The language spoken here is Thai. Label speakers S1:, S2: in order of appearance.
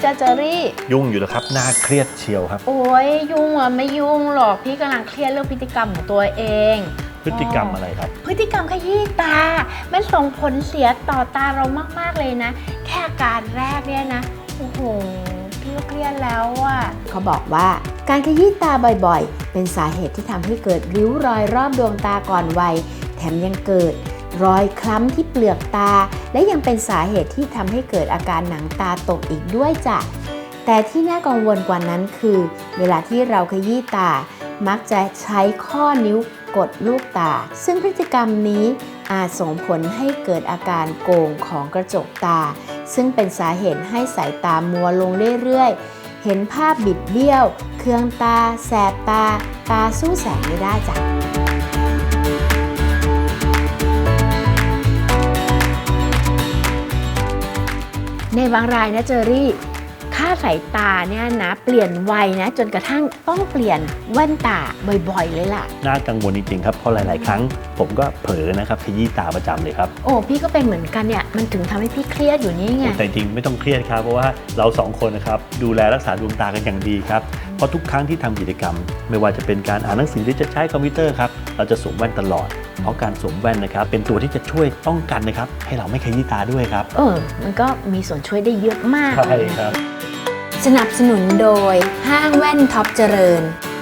S1: จ้าเจอรี่
S2: ยุ่งอยู่แล้วครับน่าเครียดเชียวครับ
S1: โอ้ยยุ่งอะไม่ยุ่งหรอกพี่กำลังเครียดเรื่องพฤติกรรมของตัวเอง
S2: พฤติกรรมอะไรครับ
S1: พฤติกรรมขยี้ตามันส่งผลเสียต่อตาเรามากๆเลยนะแค่อาการแรกเนี่ยนะโอ้โหพี่ก็เครียดแล้วอ่ะเขาบอกว่าการขยี้ตาบ่อยๆเป็นสาเหตุที่ทำให้เกิดริ้วรอยรอบดวงตาก่อนวัยแถมยังเกิดรอยคล้ำที่เปลือกตาและยังเป็นสาเหตุที่ทำให้เกิดอาการหนังตาตกอีกด้วยจ้ะแต่ที่น่ากังวลกว่านั้นคือเวลาที่เราขยี้ตามักจะใช้ข้อนิ้วกดลูกตาซึ่งพฤติกรรมนี้อาจส่งผลให้เกิดอาการโก่งของกระจกตาซึ่งเป็นสาเหตุให้สายตามัวลงเรื่อยๆเห็นภาพบิดเบี้ยวเคืองตาแสบตาตาสู้แสงไม่ได้จ้ะในบางรายนะเจอรี่ค่าสายตาเนี่ยนะเปลี่ยนวัยนะจนกระทั่งต้องเปลี่ยนแว่นตาบ่อยๆเลยล่ะ
S2: น่ากังวลจริงๆครับเพราะหลายๆครั้งผมก็เผลอนะครับขยี้ตาประจำเลยครับ
S1: โอ้พี่ก็เป็นเหมือนกันเนี่ยมันถึงทำให้พี่เครียดอยู่นี่ไง
S2: แต่จริงไม่ต้องเครียดครับเพราะว่าเราสองคนนะครับดูแลรักษาดวงตากันอย่างดีครับเพราะทุกครั้งที่ทำกิจกรรมไม่ว่าจะเป็นการอ่านหนังสือหรือจะใช้คอมพิวเตอร์ครับเราจะสวมแว่นตลอดเพราะการสวมแว่นนะครับเป็นตัวที่จะช่วยป้องกันนะครับให้เราไม่ขยี้ตาด้วยครับ
S1: มันก็มีส่วนช่วยได้เยอะมาก
S2: ใช่ครับ
S1: สนับสนุนโดยห้างแว่นท็อปเจริญ